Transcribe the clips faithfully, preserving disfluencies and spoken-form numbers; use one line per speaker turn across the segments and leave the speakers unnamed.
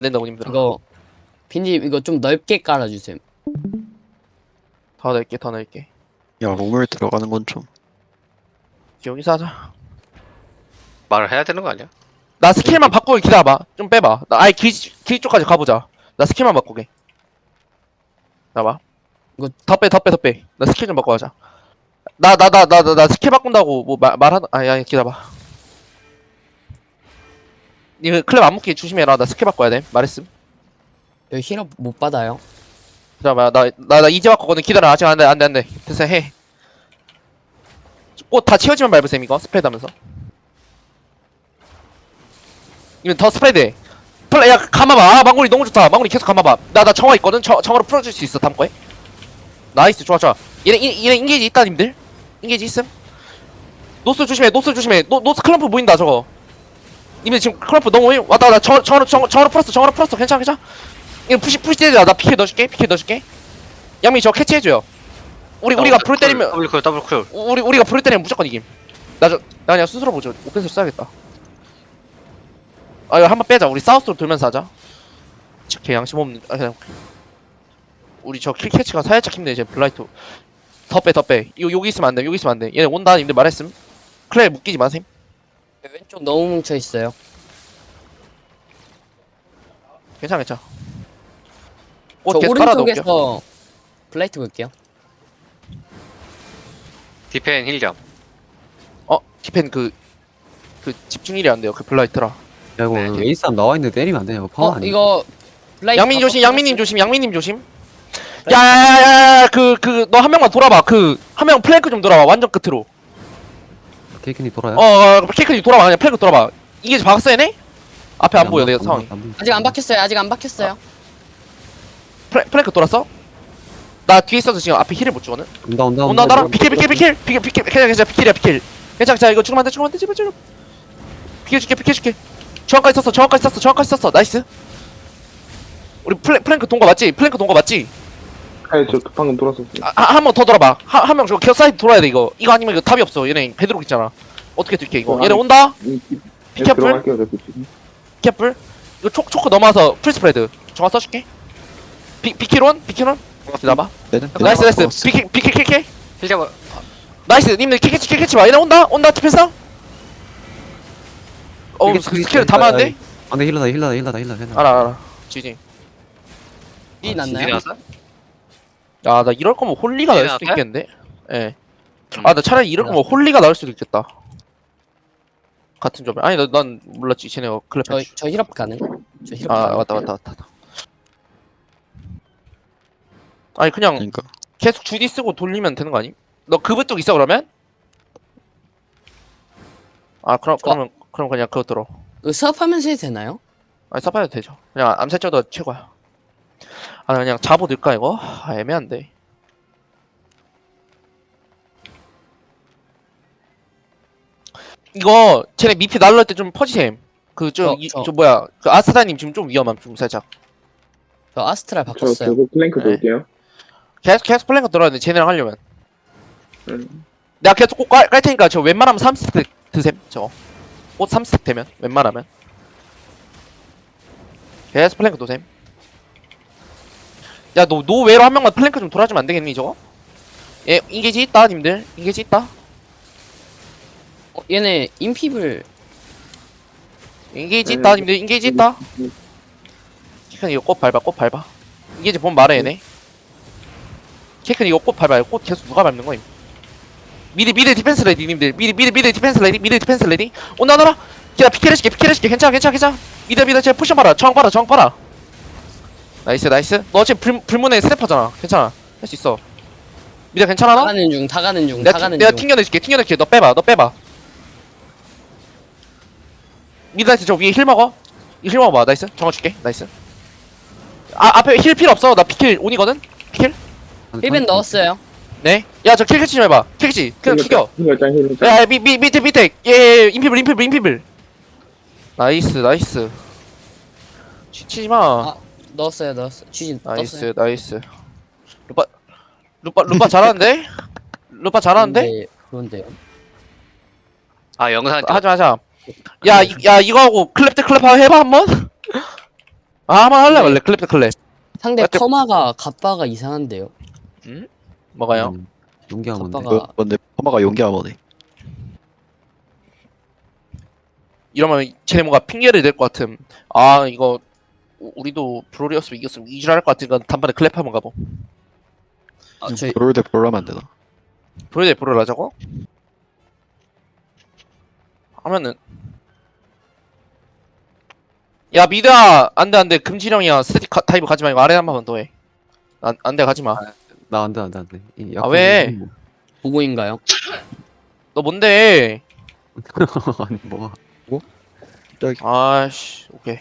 된다고 님들아.
이거 빈집 이거 좀 넓게 깔아주세요.
더 넓게 더 넓게.
야, 롱물 들어가는 건 좀.
여기서 하자.
말을 해야 되는 거 아니야?
나 스킬만 바꾸게 기다려봐. 좀 빼봐. 나 아예 길, 길 쪽까지 가보자. 나 스킬만 바꾸게. 나봐.
이거-
더 빼, 더 빼, 더 빼. 나 스킬 좀 바꿔가자. 나, 나, 나, 나, 나, 나 스킬 바꾼다고 뭐 말, 말하는, 아니, 아니, 기다려봐. 이거 클랩 안 묶게 조심해라. 나 스킬 바꿔야 돼. 말했음.
여기 힐업 못 받아요.
기다려봐. 나, 나, 나 이제 바꾸거든. 기다려. 아직 안 돼, 안 돼, 안 돼. 됐어, 해. 꽃 다 채워지면 밟으셈, 이거. 스프레드 하면서. 이건 더 스프레드 해. 플레, 야, 감아봐. 아, 망고리 너무 좋다. 망고리 계속 감아봐. 나, 나 정화 있거든? 정, 정화로 풀어줄 수 있어, 다음 거에. 나이스, 좋아, 좋아. 얘네, 얘네, 얘네 인게이지 있다, 님들. 인게이지 있음. 노스 조심해, 노스 조심해. 노, 노스 클럼프 보인다, 저거. 님들 지금 클럼프 너무, 왔다, 왔다. 정, 정화로, 정, 정화로 풀었어, 정화로 풀었어. 괜찮아, 괜찮아. 이거 푸시, 푸시 때리자. 나 피케 넣어줄게, 피케 넣어줄게. 양미 저거 캐치해줘요. 우리, 우리가 불 때리면,
더블 쿨 더블 쿨.
우리, 우리가 불 때리면 무조건 이김. 나 저, 나 그냥 스스로 보죠. 오펜스 써야겠다. 아, 이거 한번 빼자. 우리 사우스로 돌면서 하자. 개 양심 없는, 아, 그냥. 우리 저 킬캐치가 살짝 힘내, 이제 블라이트. 더 빼, 더 빼. 이거 여기 있으면 안 돼, 여기 있으면 안 돼. 얘네 온다, 님들 말했음. 클레 묶이지 마셈.
왼쪽 너무 뭉쳐 있어요.
괜찮아, 괜찮아.
저
옷 계속 깔아놓을게요.
오른쪽에서 블라이트 볼게요.
디펜 힐점.
어, 디펜 그, 그 집중일이 안 돼요, 그 블라이트라.
야 이거
네.
웨이스함 나와있는데 때리면 안 되냐 이거 파워
어
아니야?
이거 블라이트
양민 조심,
바꿔
양민님
놨어요?
조심, 양민님 조심. 야야야야, 그, 그, 너 한 명만 돌아봐. 그, 한 명 플랭크 좀 돌아봐. 완전 끝으로.
케이크니 돌아요?
어, 어, 케이크님 돌아봐. 그냥 플랭크 돌아봐. 이게 박았어, 얘네? 앞에 안 보여, 내가 상황이.
아직 안 박혔어요. 아직 안 박혔어요.
플랭, 플랭크 돌았어? 나 뒤에 있어서 지금 앞에 힐을 못 주거든?
온다 온다
온다, 온다, 비킬, 비킬, 비킬! 비킬, 비킬, 괜찮아, 괜찮아, 비킬이야, 비킬. 괜찮아, 자, 이거 죽으면 안 돼, 죽으면 안 돼, 제발, 제발. 비켜줄게, 비켜줄게. 정확까지 썼어, 정확까지 썼어, 정확까지 썼어. 나이스. 우리 플랭, 플랭크 동거 맞지? 플랭크 동거 맞지?
아니 저 방금 돌았었어요.
아, 한 번 더 돌아봐. 한, 한 명 저거 기어 사이드 돌아야 돼, 이거. 이거 아니면 이거 답이 없어. 얘네 베드록 있잖아. 어떻게 뛸게, 이거.
어,
얘네
아니.
온다?
이- 이-
피켓풀?
들어갈게요, 저 지금.
피켓풀? 이거 초, 초크 넘어와서 풀 스프레드. 정화 써줄게. 비, 비킬원? 비킬원? 기다려봐. 나이스, 나이스. 비킬, 비킬, 킬킬.
힐점.
나이스. 님들 킬캐치, 킬캐치 봐. 얘네 온다? 온다, 디펜스? 어우, 그 스킬 다 맞는데?
안돼 힐러다 힐러다 힐러다 힐러다 힐러다
알아, 알아. 지지.
이
힐
났나요?
나왔어?
아, 나 이럴 거면 홀리가 나올 수도
나왔어요?
있겠는데? 예.
음.
아, 나 차라리 이럴 거면 홀리가 나올 수도 있겠다. 같은 점에. 아니, 나, 난 몰랐지. 쟤네가 클랩
저
해주.
저 힐업 가능? 저 힐업
아,
가능?
맞다, 맞다, 맞다. 맞다. 아니, 그냥
그러니까.
계속 주디 쓰고 돌리면 되는 거 아니? 너 그브 쪽 있어, 그러면? 아, 그럼, 그러면, 그럼 그냥 그거 들어.
이거 수업하면서 해도 되나요?
아니, 써봐도 되죠. 그냥 암살자도 최고야. 아, 그냥 잡어 넣을까, 이거? 아, 애매한데. 이거, 쟤네 미피 날라올 때 좀 퍼지셈. 그, 좀,
저,
이,
저.
저, 뭐야. 그, 아스타님 지금 좀 위험함, 좀 살짝.
저 아스트랄
저
바꿨어요.
저거 플랭크
네.
돌게요.
계속, 계속 플랭크 들어야 돼, 쟤네랑 하려면.
음.
내가 계속 꼭 깔, 깔 테니까 저 웬만하면 삼 스택 드셈, 저거. 꽃 삼 스택 되면, 웬만하면. 계속 플랭크 도셈. 야, 너, 노 외로 한 명만 플랭크 좀 돌아주면 안 되겠니, 저거? 예, 인게지 있다, 님들. 인게지 있다.
어, 얘네 인피블
인게이지
네,
있다,
네.
님들. 인게이지 있다. 케이큰 이거 꽃 밟아, 꽃 밟아. 인게이지 보면 말해, 얘네. 케이큰 이거 꽃 밟아요. 꽃 계속 누가 밟는 거임? 미드, 미드 디펜스 레디, 님들. 미드, 미드, 미드 디펜스 레디, 미드 디펜스 레디. 온다, 온다. 기다, 피켓 해줄게, 피켓 해줄게. 괜찮아, 괜찮아, 괜찮아. 미드, 미드, 쟤 포션 봐라. 저항 봐라, 저항 봐라. 나이스, 나이스. 너 지금 불, 불문의 스냅퍼잖아. 괜찮아. 할 수 있어. 미드 괜찮아,
다
너?
가는 중, 다 가는 중, 다
내가,
가는
내가
중.
튕겨내줄게, 튕겨내줄게. 너 빼봐, 너 빼봐. 미드라이트 저 위에 힐 먹어. 이 힐 먹어봐. 나이스. 정화 줄게. 나이스. 아, 앞에 힐 필요 없어. 나 피킬 온이거든. 피킬.
힐벤 넣었어요.
네. 야, 저 킬캐치 좀 해봐. 킬캐치. 그냥 죽여.
힐러짱 힐러짱.
야, 미, 미, 밑에, 밑에. 예, 예, 인피블, 인피블, 인피블. 나이스, 나이스. 치지 마.
아, 넣었어요, 넣었어. 쥐진
나이스, 나이스. 루파, 루파, 루파 잘하는데? 루파 잘하는데?
그런데요.
아 영상.
하자, 하자. 야, 이, 야, 이거 하고 클랩 대 클랩 하고 해봐, 한 번? 아 한번 할래
네.
말래 클랩 대 클랩.
상대
어째-
퍼마가 갑바가 이상한데요.
음? 뭐가요?
음, 용기하면 돼.
아빠가-
그 뭔데 퍼마가 용기하머네.
이러면 쟤네 뭔가 핑계를 댈 것 같음. 아 이거 우- 우리도 브롤이었으면 이겼으면 이질할 것 같으니까 단번에 클랩 한번 가보.
아, 저희
브롤 대 브롤 하면 안 되나?
브롤 대 브롤 하자고? 하면은 야 미드야 안돼 안돼 금지령이야. 스태틱 가- 타입 가지 말고 아래 한 번만 더 해. 안 안돼 가지 마.
나 안돼 안돼 안돼. 이
아, 왜?
뭐.
보고인가요?
너 뭔데?
아니 뭐가?
아씨 오케이.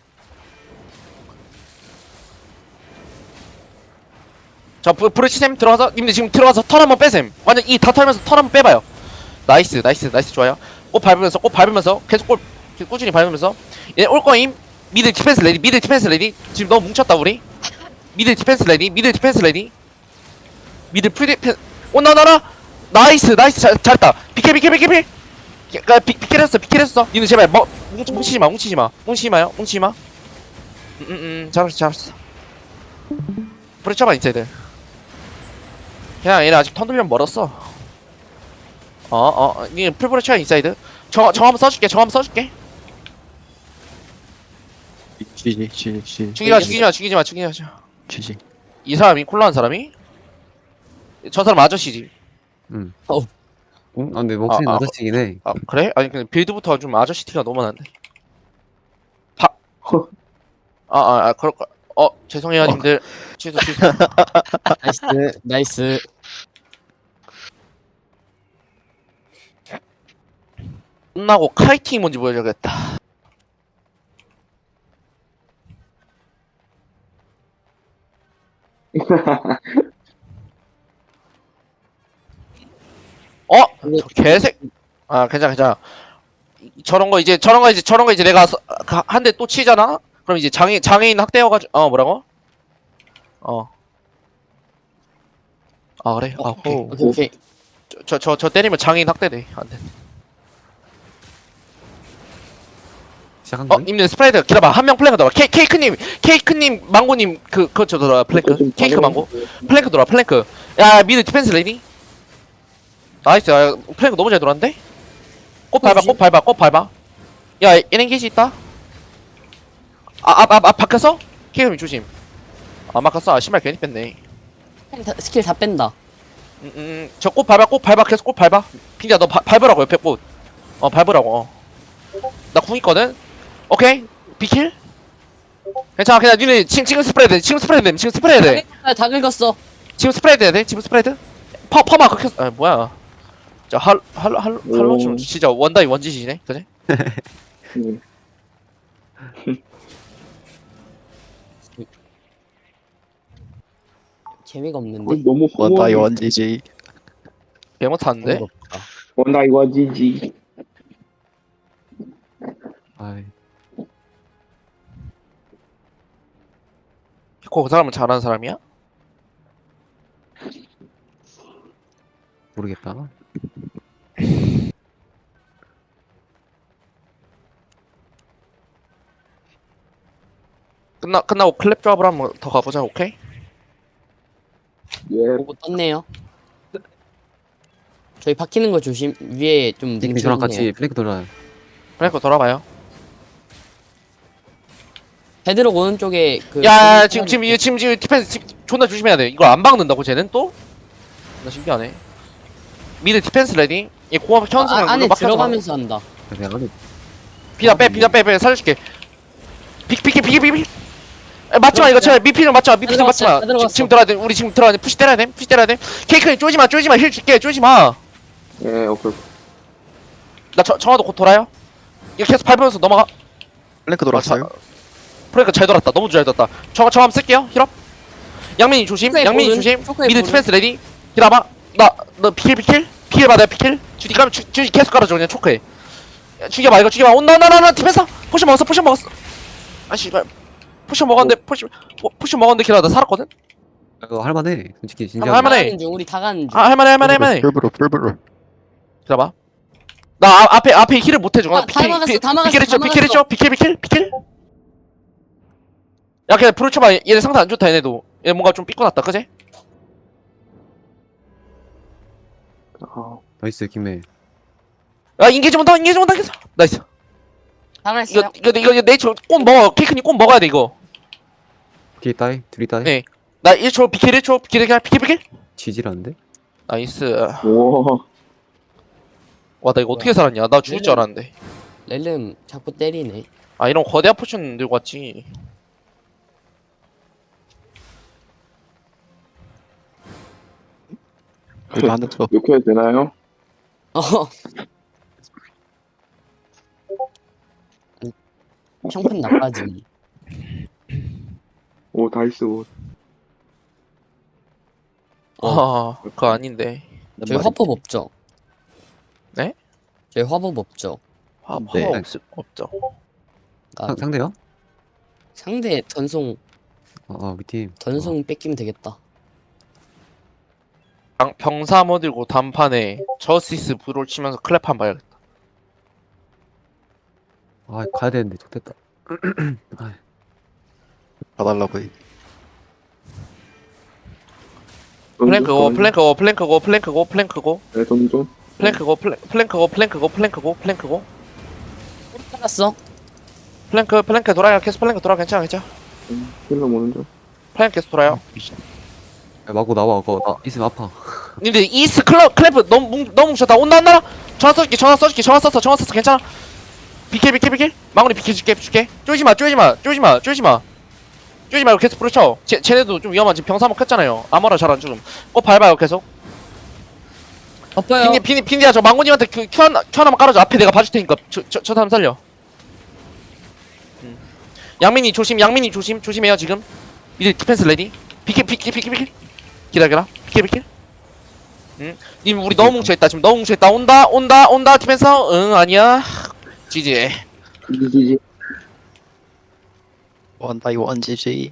자 브, 브레치샘 들어가서 님들 지금 들어가서 턴 한번 빼셈. 완전 이 다 털면서 턴 한번 빼봐요. 나이스 나이스 나이스 좋아요. 꽃 밟으면서 꽃 밟으면서 계속 꽃 계속 꾸준히 밟으면서 얘 올 거임. 미드 디펜스 레디 미드 디펜스 레디. 지금 너무 뭉쳤다 우리. 미드 디펜스 레디 미드 디펜스 레디. 미드 프리 디펜 오나나나 나이스 나이스 잘, 잘했다. 비켜 비켜 비켜 비켜. 그 비, 비켜했어 비켜했어. 니는 제발 뭐 뭉치, 뭉치지 마 뭉치지 마 뭉치지 마요 뭉치지 마. 음음음 잘했어 잘했어. 브레쳐봐 인사이드. 그냥 얘네 아직 턴 돌려면 멀었어. 어어 니 풀브레쳐야 인사이드. 저 저 한번 써줄게 저 한번 써줄게.
지지 지지 지지
죽이지 마 죽이지 마 죽이지 마 죽이지 마.
지지.
이 사람이 콜라한 사람이? 저 사람 아저씨지.
응.
어우.
응? 아 근데 목소리
아, 아,
아저씨긴 해.
아 그래? 아니 근데 빌드부터 좀 아저씨 티가 너무 나는데. 바. 아아 아, 그럴 거. 어 죄송해요 님들. 취소 취소.
나이스 나이스.
끝나고 카이팅이 뭔지 보여줘야겠다. 어? 저 개색. 아 괜찮아 괜찮아. 이- 저런 거 이제 저런 거 이제 저런 거 이제 내가 한 대 또 치잖아. 그럼 이제 장애 장애인 학대여가지고 어 뭐라고? 어. 아 그래? 아 오케이.
오케이 오케이.
저 저 저 때리면 장애인 학대돼. 안 돼.
시작한
어
거야?
님들 스프레드 기다봐. 한 명 플랭크 돌아. 케 케이크님 케이크님 망고님 그 그저 돌아 플랭크. 케이크 망고. 플랭크 돌아 플랭크. 야 미드 디펜스 레디. 나이스. 야, 플랭크 너무 잘 돌았는데? 꽃 밟아 꽃 밟아 꽃 밟아. 야 얘네 게이지 있다. 아앞앞앞 바뀌었어? 케이크님 조심. 아 막혔어. 아 신발 괜히 뺐네.
다- 스킬 다 뺀다.
음음 저 꽃 밟아 꽃 밟아 계속 꽃 밟아. 빈자 너 바, 밟으라고 옆에 꽃. 어 밟으라고. 어. 나 궁 있거든. 오케이 비킬. 괜찮아 그냥 니네 지금 지금 스프레드 지금 스프레드 돼 지금 스프레드 돼.
아, 다 긁었어.
지금 스프레드 해야 돼? 지금 스프레드? 퍼, 퍼마 그렇게 아 뭐야 자 할, 할, 할, 할로 좀
오.
진짜 원다이 원짓이네 그래?
음.
재미가 없는데.
거의 너무
원다이
허무하네.
원지지.
개 못하는데?
원다이 원지지.
아이
피코 그 사람은 잘하는 사람이야?
모르겠다.
끝나, 끝나고 클랩 조합을 한번 더 가보자 오케이?
예.
보고 떴네요. 저희 박히는 거 조심. 위에 좀
닉님 저랑
뭉쳐있네요.
같이 플랭크 돌아요.
플랭크 돌아봐요
헤드록 오른쪽에 그.
야 지금 지금 이거 지금 지금 디펜스 지금 존나 조심해야 돼 이걸 안 박는다고 쟤는 또? 나 신기하네 미드 디펜스 레디 얘 공합 켜는 순간
아, 안에
물론 막혀서
들어가면서 한다.
그냥 안에
비자 빼 비자 빼빼 살려줄게 비 비키 비키 비키 맞지마 이거 제발 미피 좀 맞지마 미피 좀
들어갔어요,
맞지마
다 들어갔어.
지금 들어야 돼 우리 지금 들어야 돼 푸시 때려야 돼 푸시 때려야 돼 케이크님 쪼지마 쪼지마 힐 줄게 쪼지마
예, 오케이.
나 저, 정화도 곧 돌아요 이거 계속 밟으면서 넘어가
플랭크 돌았어요?
프레이크 잘 돌았다 너무 잘 돌았다 정화 정화 한번 쓸게요 힐업 양민이 조심
초크의
양민이
볼은,
조심
초크의
미드
볼은.
디펜스 레디 기다봐 나너 비킬 비킬 비킬 받아요 비킬 주디 까면 주, 주디 계속 깔아줘 그냥 초크해 야, 죽여봐 이거 죽여봐 온나 온나 온나 디펜서 포션 먹었어 포션 먹었어 아 씨발 포션 먹었는데 포션 포, 포션 먹었는데 기다려 나 살았거든
이거 할만해. 솔직히 진짜.
할- 할만해.
가는 중 우리 다 가는 중.
아 할만해 할만해 할만해
풀브로 풀브로.
기다봐 나 아, 앞에 앞에 힐을 못 해줘
아, 다 막았어, 다 막았어,
비킬 했죠
다
비킬 했죠 비킬 비킬 비킬 야 그냥 프로 쳐봐. 얘네 상태 안 좋다 얘네도. 얘 뭔가 좀 삐꺼났다 그제?
아,
나이스 김해.
야 인게이지 온다 인게이지 온다 인게이지. 나이스.
살아났어요.
이거 이거 이거 이거 네이처 꼭 먹어. 케이크님 꼭 먹어야 돼 이거.
뒤에 따이 둘이 따이.
네. 나 일 초 비킬 일 초 비킬 그냥 비킬 비킬.
지지라는데?
나이스.
우와.
와 나 이거 어떻게 살았냐? 나 죽을 줄 알았는데.
렐름 자꾸 때리네.
아 이런 거대한 포션 들고 왔지.
여기 하나 더.
이렇게 해도 되나요?
어. 형편 나빠지.
오, 다이스 옷.
아 그거 아닌데.
저희 화법 없죠?
네?
저희 화법 없죠?
화
네.
화 없 없죠.
아,
상, 상대요?
상대 전송
아, 아 우리 팀.
전송 뺏기면 되겠다.
병- 병사 모들고 단판에 저스티스 브롤 치면서 클랩 한 봐야겠다.
어. 아 가야 되는데 좋됐다. 아,
봐달라고 해.
플랭크고 플랭크고 플랭크고 플랭크고 플랭크고
네, 던져.
플랭크고 플랭- 플랭크고 플랭크고 플랭크고 플랭크고
알았어?
플랭크 플랭크 돌아요. 계속 플랭크 돌아. 괜찮아 괜찮아.
음, 힐러 오는 중.
플랭크 계속 돌아요.
야, 마구 나와. 그거 나 있으면 아파.
님들 이스 클럽 클랩 너무 뭉, 너무 뭉쳤다. 온다 안 나라. 전화 써줄게 전화 써줄게 전화 썼어 전화 썼어 괜찮아. 비킬 비킬 비킬. 망원이 비킬 줄게 줄게. 쪼지마 쪼지마 쪼지마 쪼지마. 쪼지 말고 계속 부르쳐. 쟤 쟤네도 좀 위험한 지금 병사 먹혔잖아요. 아머라 잘 안 죽음. 꼭 밟아요 계속.
덮어요.
핀디 핀디 핀디야 저 망고님한테 그 큐 하나 큐 하나만 깔아줘. 앞에 내가 봐줄 테니까 저저 저 사람 살려. 음. 양민이 조심 양민이 조심 조심해요 지금. 이제 디펜스 레디. 비킬 비킬 비킬 비킬. 기다려라. 비킬 비킬. 응. 님 우리 너무 뭉쳐있다 지금 너무 뭉쳐있다. 온다 온다 온다 디펜스. 응 아니야. 지지.
지지지지.
원 바이 원 지지.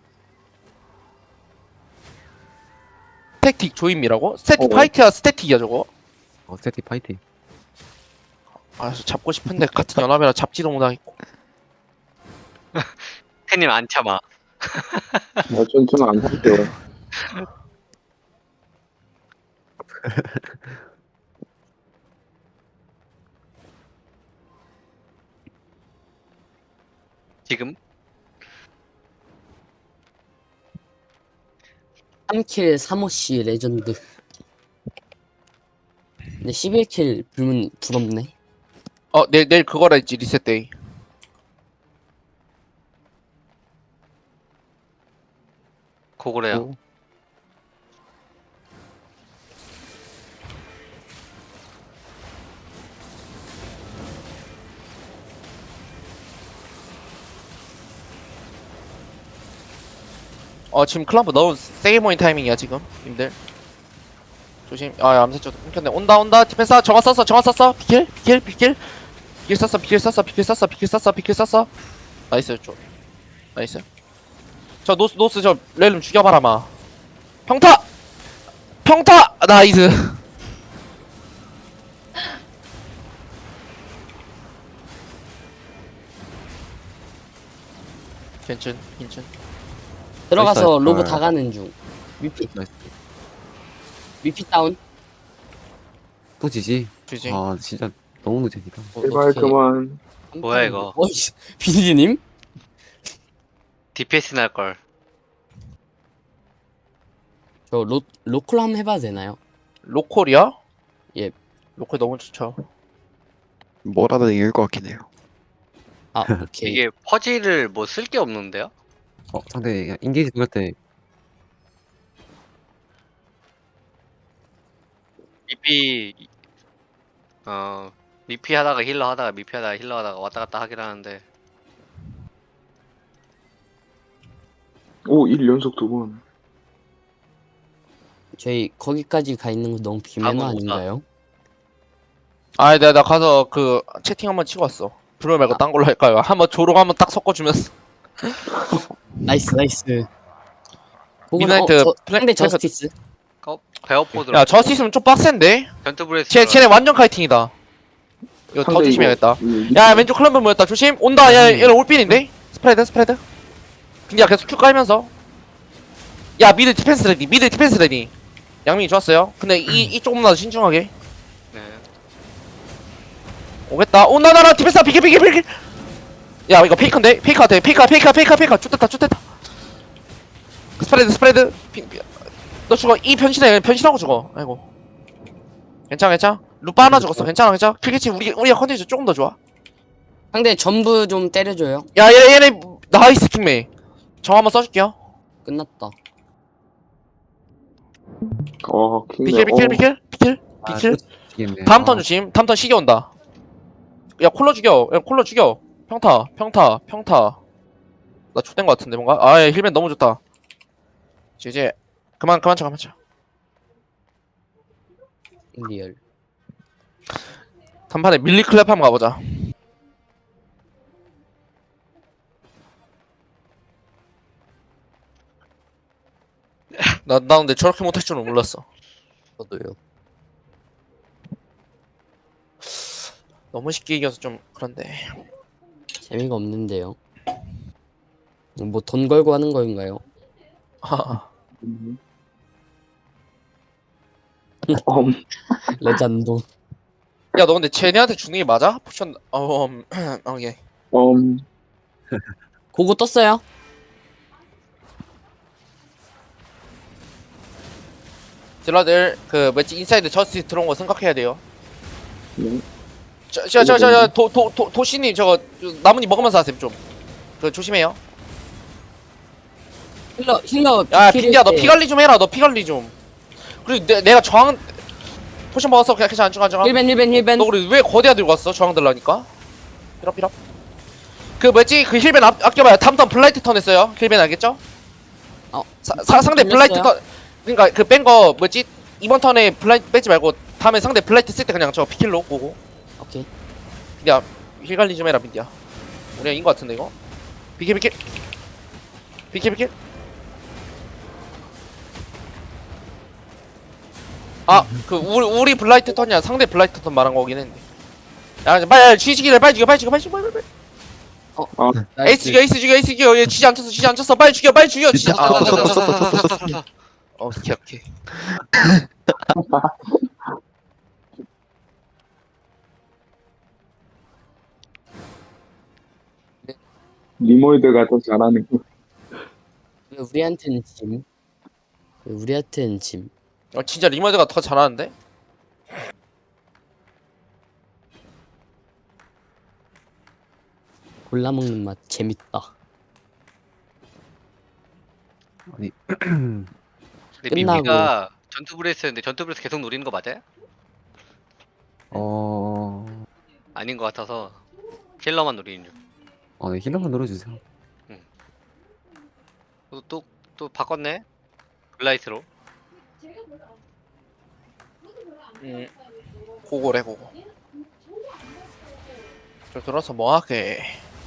스태틱 조임이라고? 스태틱
어.
파이트야 스태틱이야 저거.
어 세티 파이팅.
아 저 잡고 싶은데 같은 연합이라 잡지도 못하겠고.
팬님 안 참아.
아, 전, 저는 안 살게요.
지금
삼 킬 삼호씨 레전드. 근데 십일 킬 불문 부럽네.
어 내일 내일 그거라 했지 리셋 데이.
고고래요.
오.
어 지금 클럼프 너무 세게 모인 타이밍이야 지금 님들. 조심. 아 암살자 끊겼네. 온다 온다 디펜스 정화 썼어 정화 썼어. 비킬 비킬 비킬 비킬 썼어 비킬 썼어 비킬 썼어 비킬 썼어 비킬 썼어. 나이스 좀 나이스. 저 노스 노스 저 렐름 죽여봐라 마. 평타 평타 나이스. 괜찮 괜찮.
들어가서
나이스.
로브
아.
다 가는 중. 위피
나이스.
위피 다운.
또 지지.
주지.
아 진짜 너무 늦으니까.
어,
제발
어떡해.
그만.
뭐야, 이거.
어이 비디님?
디피에스 날 걸.
저 로 로컬 한번 해봐도 되나요?
로컬이야?
예.
로컬 너무 좋죠.
뭐라도 이길 것 같긴 해요.
아 오케이.
이게 퍼즐을 뭐 쓸 게 없는데요?
어 상대 그냥 인게이지 들어갈 때
미피 어 미피 하다가 힐러 하다가 미피 하다가 힐러 하다가 왔다 갔다 하긴 하는데
오, 일 연속 두 번.
저희 거기까지 가 있는 거 너무 비매너
아, 뭐,
아닌가요?
아, 내가 나 가서 그 채팅 한번 치고 왔어. 브로 말고 딴 걸로 할까요? 한번 조롱 한번 딱 섞어주면서.
나이스 나이스. 혹은
미드나이트
어, 저,
플랜-
상대
플랜-
저스티스.
어? 베어포드로
야, 저스 있으면 좀 빡센데?
전투브레스
쟤, 쟤네 완전 카이팅이다. 이거 더
상대
조심해야겠다.
이거-
야, 왼쪽 클럽 모였다. 조심. 온다. 야, 얘는 올핀인데? 스프레드, 스프레드. 근데 야 계속 큐 깔면서 야 미드 디펜스 레디 미드 디펜스 레디 양민이 좋았어요 근데 이, 이 조금만 더 신중하게
네.
오겠다 오나나나 디펜스 비켜 비켜 비켜 야 이거 페이커인데 페이커 같아 페이커 페이커 페이커 페이커 쭈됐다 쭈됐다 스프레드 스프레드 피, 피, 너 죽어 이 변신해 변신하고 죽어 아이고 괜찮아 괜찮아 루파 하나 죽었어 괜찮아 괜찮아 필기치 우리 우리가 컨디션 조금 더 좋아
상대 전부 좀 때려줘요.
야 얘네 얘네 나이스 킹메이 정 한번 써줄게요
끝났다.
어, 킹네.
비킬 비킬
어,
비킬 비킬
아,
비킬
또 지겠네.
다음
아,
턴 조심 다음 턴 시계 온다 야 콜러 죽여 야 콜러 죽여 평타 평타 평타 나 X된 거 같은데 뭔가 아야 힐맨 너무 좋다 이제 이제 그만 그만 쳐 그만 쳐
리얼.
단판에 밀리 클랩 한번 가보자 나, 나 근데 저렇게 못할 줄은 몰랐어
저도요.
너무 쉽게 이겨서 좀 그런데
재미가 없는데요. 뭐 돈 걸고 하는 거인가요?
음. 엄,
레전드.
야 너 근데 쟤네한테 주는 게 맞아? 포션 어 음, 어, 예.
엄.
고고 떴어요?
딜러들 그 뭐지 인사이드 저스티스 들어온 거 생각해야 돼요
네.
저저저저도도 도 도시님 저거 나뭇잎 먹으면서 하세요 좀그 조심해요
힐러 힐러.
야
비킬일
빈디야 너
때
피 관리 좀 해라 너 피 관리 좀 그리고 내, 내가 저항 포션 먹었어 그냥 괜찮아 안정아 안정아
힐벤 힐벤 힐벤.
너 우리 왜 거대야 들고 왔어 저항 들라니까 피럽 피럽 그 뭐지 그 힐벤 아, 아껴봐요 다음 턴 블라이트 턴 했어요 힐벤 알겠죠?
어.
사, 사, 상대 블라이트
돌렸어요?
턴 그니까 그 뺀 거 뭐지 이번 턴에 블라이트 빼지 말고 다음에 상대 블라이트 쓸 때 그냥 저 피킬로 오고
오케이.
빈디야 힐 관리 좀 해라 빈디야 우리가 인거 같은데 이거 비킬 비킬 비킬 비킬 아 그 우리 우리 블라이트 턴이야 상대 블라이트 턴 말한 거긴 했는데 야 이제 빨리 쥐지기를 빨리 죽여 빨리 죽여 빨리 죽여 빨리 빨리 빨리 에이스 죽여 에이스 죽여 에이스 죽여 얘 쥐지 안 쳤어 쥐지 안 쳤어 빨리 죽여 빨리 죽여 쥐지 아, 아, 아, 아, 아, 아. 어 오케이 오케이
리몰드가 더 잘하는 거.
왜 우리한테는 짐? 왜 우리한테는 짐?
어 진짜 리머드가 더 잘하는데
골라 먹는 맛 재밌다.
아니
근데
끝나고.
미피가 전투 브레스였는데 전투 브레스 계속 노리는 거 맞아요?
어...
아닌 거 같아서 킬러만 노리는 중.
어, 네, 힐러만 눌러주세요.
또, 또, 또 바꿨네? 블라이트로.
음 고고래 고고 저 들어서 뭐하게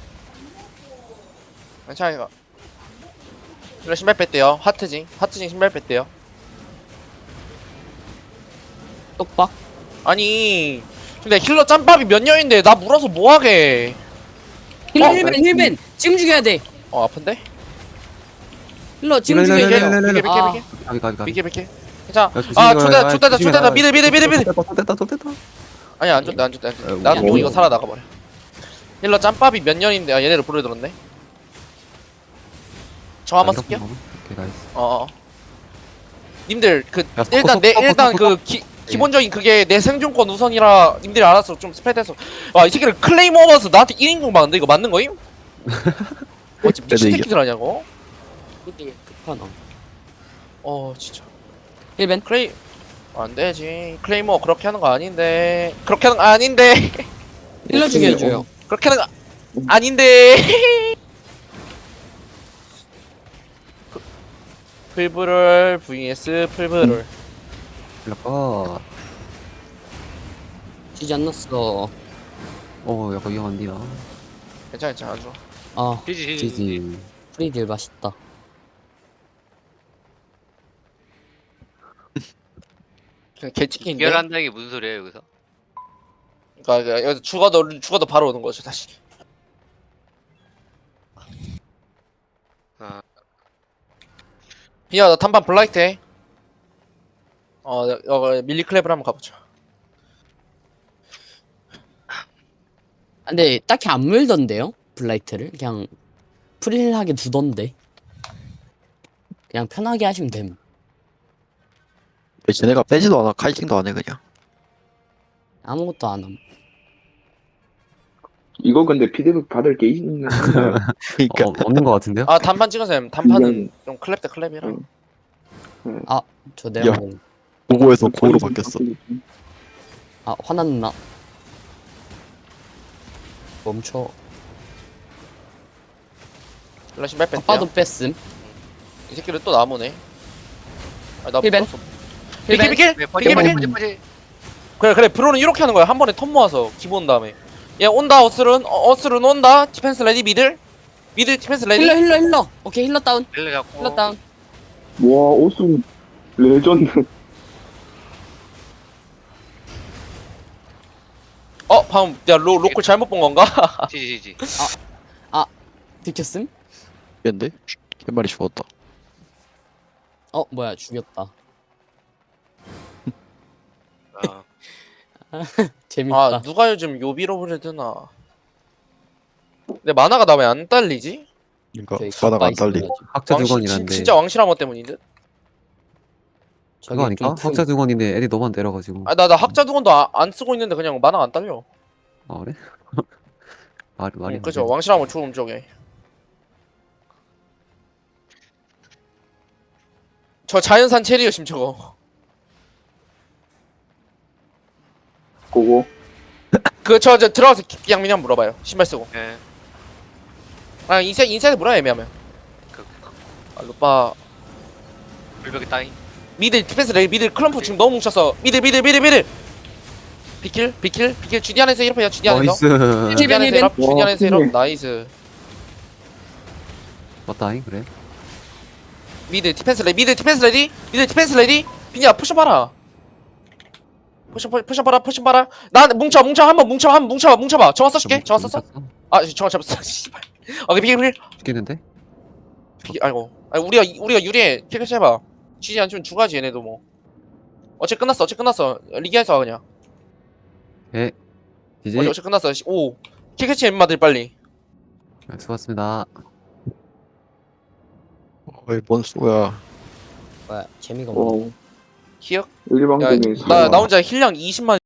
괜찮아 이거 이거 신발 뺐대요 하트징 하트징 신발 뺐대요
똑박.
아니 근데 힐러 짬밥이 몇 년인데 나 물어서 뭐하게
힐러
어?
힐벤 힐벤. 지금 죽여야 돼.
어 아픈데?
힐러 지금
힐러,
죽여야
힐러,
돼요.
힐러, 힐러,
비켜
아.
비켜 비켜
가비 가비 가비.
비켜 비켜 괜찮아
야, 조심히
아
가요.
좋다
아,
좋다
조심히
좋다
가요.
미드 미드 미드 미드
또 됐다 또 됐다.
아니 안 좋다 안 좋다 안 좋다
아이고,
나도
아이고.
이거 살아나가버려 힐러 짬밥이 몇 년인데 아 얘네를 부르들었네 저 한번 쓸게요
오케이 나이스.
어어 님들 그
야, 섞어,
일단 내
섞어,
일단
섞어,
그 기, 기본적인 그게 내 생존권 우선이라 님들이 알아서 좀 스프레드해서 와이 새끼를 클레이머 먹어서 나한테 일 인공 막는데 이거 맞는 거임? 어찌 미친
이겨.
새끼들 아냐고?
이게 급하나.
어 진짜
힐벤.
클레이 안 되지 클레이머 그렇게 하는 거 아닌데 그렇게 하는 거 아닌데
힐러 죽여줘요.
그렇게 하는 거 아닌데 풀브럴 vs 풀브럴
힐러가
지지 않았어.
어 약간 위험한데 나.
괜찮아 괜찮아 안 좋아
아
지지.
지지.
프리딜 맛있다.
그냥 개찍기인데
이결한다는 게 무슨 소리예요, 여기서?
그러니까 여기서 죽어도 죽어도 바로 오는 거죠 다시
아,
야, 나 단판 블라이트 해. 어, 어, 밀리 클랩을 한번 가보자.
아, 근데 딱히 안 물던데요? 블라이트를 그냥 프릴하게 두던데. 그냥 편하게 하시면 됨.
왜 쟤네가 빼지도 않아. 카이팅도 안 해 그냥.
아무것도 안 함.
이거 근데 피드백 받을 게 있는 건가요?
그러니까
어, 없는 것 같은데요?
아, 단판 찍으세요. 단판은 좀 클랩 대 클랩이라.
응.
저 내가
야.
뭐,
고고에서 고로 바뀌었어.
아 화났나? 멈춰.
플래시 몇 뺐대요?
아빠도 뺐음.
이 새끼를 또 나무네. 아, 나
힐벤?
불렀어. 비킬 비킬!
네, 퍼지
비킬
퍼지
비킬!
퍼지 퍼지.
그래 그래 브로는 이렇게 하는 거야. 한 번에 턴 모아서 기본 온 다음에. 얘 온다 어스룬 어, 어스룬 온다. 디펜스 레디 미들 미들 디펜스 레디.
힐러 힐러 힐러. 오케이 힐러 다운.
힐러 잡고.
힐러 다운.
와 오승 레전드.
어 방금 야 로, 로컬 잘못 본 건가?
지지지.
들켰음?
근데 한 마리 죽었다.
어 뭐야 죽였다.
아,
재밌다.
아 누가 요즘 요비로브를 드나. 내 만화가 나 왜 안 딸리지?
그러니까
저기
바다가 안
가까이
달리.
있어가지고.
학자
왕실
두건이란데.
진, 진짜 왕실함어 때문인 듯?
저기
그거 아닐까?
좀 큰-
학자 두건인데 애들이 너무 안 때려가지고.
아 나 나 학자 두건도 아, 안 쓰고 있는데 그냥 만화가 안 딸려.
아 그래? 말 말이
응,
안
그죠
되네.
왕실함을 좋은 쪽에. 저 자연산 체리요 심 저거.
고고.
그 저 저 들어가서 기- 양민이 한번 물어봐요. 신발 쓰고.
예.
아 인사 인사이드 물어야 애매하면.
그, 그
아 루빠
불벽이 따인.
미들 디펜스 레이 미들 클럼프 지금 너무 뭉쳤어. 미들 미들 미들 미들. 비킬 비킬 비킬 주디 안에서 이렇게 주디 안에서.
나이스.
주디 안에서 이렇게 주디
와,
안에서 이렇게
크네.
나이스.
맞다잉 그래.
미들 디펜스 레디 미들 디펜스 레디 미들 디펜스 레디. 빈이야 푸셔 봐라. 푸셔 푸- 푸셔 봐라 푸셔 봐라. 나 뭉쳐 뭉쳐 한번 뭉쳐 한번 뭉쳐봐 뭉쳐봐. 정화 써줄게 정화 썼어. 아 정화 잡았어. 씨발. 오케이 비킬 비킬
죽겠는데?
비킬. 아이고. 아 우리가 우리가 유리해. 캐캐치 해봐. 지지 않으면 죽어야지 얘네도 뭐. 어째 끝났어 어째 끝났어. 리기에서 그냥.
예. 지지.
어째 어째 끝났어. 씨, 오. 캐캐치 엠마들 빨리.
네, 수고하셨습니다.
어이 뭔 쏘야.
뭐야 재미가 없네.
와
기억?
일방적인
야, 나, 나 혼자 힐량 이십만